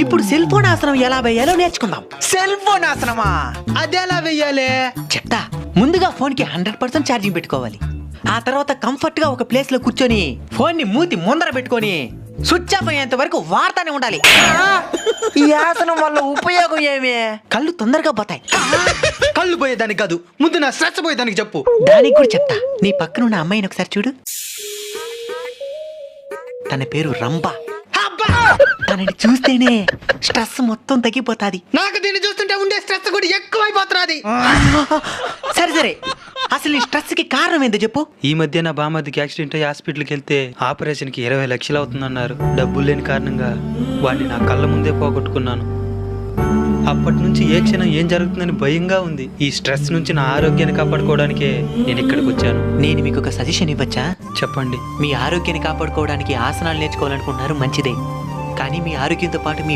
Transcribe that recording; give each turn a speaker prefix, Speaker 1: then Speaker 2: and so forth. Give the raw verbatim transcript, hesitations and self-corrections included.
Speaker 1: ఇప్పుడు cell phone ఆసనం ఎలా వేయాలో నేర్చుకుందాం.
Speaker 2: సెల్ ఫోన్ ఆసనమా? అదెలా వెయ్యాలి?
Speaker 1: చెప్తా. ముందుగా ఫోన్ కి హండ్రెడ్ పర్సెంట్ ఛార్జింగ్ పెట్టుకోవాలి. ఆ తర్వాత కంఫర్ట్ గా ఒక ప్లేస్ లో కూర్చొని ఫోన్ ని మూతి ముందర పెట్టుకొని స్విచ్ ఆఫ్ అయ్యేంత వరకు వాడుతానే ఉండాలి.
Speaker 2: ఈ ఆసనం వల్ల ఉపయోగం ఏమి?
Speaker 1: కళ్ళు తొందరగా పోతాయి.
Speaker 2: కళ్ళు పోయేదానికి కాదు, ముందు నా స్ట్రెస్ పోయేదానికి చెప్పు.
Speaker 1: దానికి కూడా చెప్తా. నీ పక్కన ఉన్న అమ్మాయిని ఒకసారి చూడు. తన పేరు రంభ. తనని చూస్తేనే స్ట్రెస్ మొత్తం తగ్గిపోతాది.
Speaker 2: నాకు దీన్ని చూస్తుంటే ఉండే స్ట్రెస్ కూడా ఎక్కువైపోతున్నది.
Speaker 3: సరే సరే, అసలు ఈ స్ట్రెస్ కి కారణం ఏందో చెప్పు.
Speaker 4: ఈ మధ్య నా బామ్మదికి యాక్సిడెంట్ అయ్యి హాస్పిటల్కి వెళ్తే ఆపరేషన్ కి ఇరవై లక్షలు అవుతుందన్నారు. డబ్బులు లేని కారణంగా వాడిని నా కళ్ళ ముందే పోగొట్టుకున్నాను. అప్పటి నుంచి ఏ క్షణం ఏం జరుగుతుందని భయంగా ఉంది. ఈ స్ట్రెస్ నుంచి నా ఆరోగ్యాన్ని కాపాడుకోవడానికే నేను ఇక్కడికి వచ్చాను.
Speaker 1: నేను మీకు ఒక సజెషన్ ఇవ్వచ్చా?
Speaker 4: చెప్పండి.
Speaker 1: మీ ఆరోగ్యాన్ని కాపాడుకోవడానికి ఆసనాలు నేర్చుకోవాలనుకుంటున్నారు, మంచిదే. కానీ మీ ఆరోగ్యంతో పాటు మీ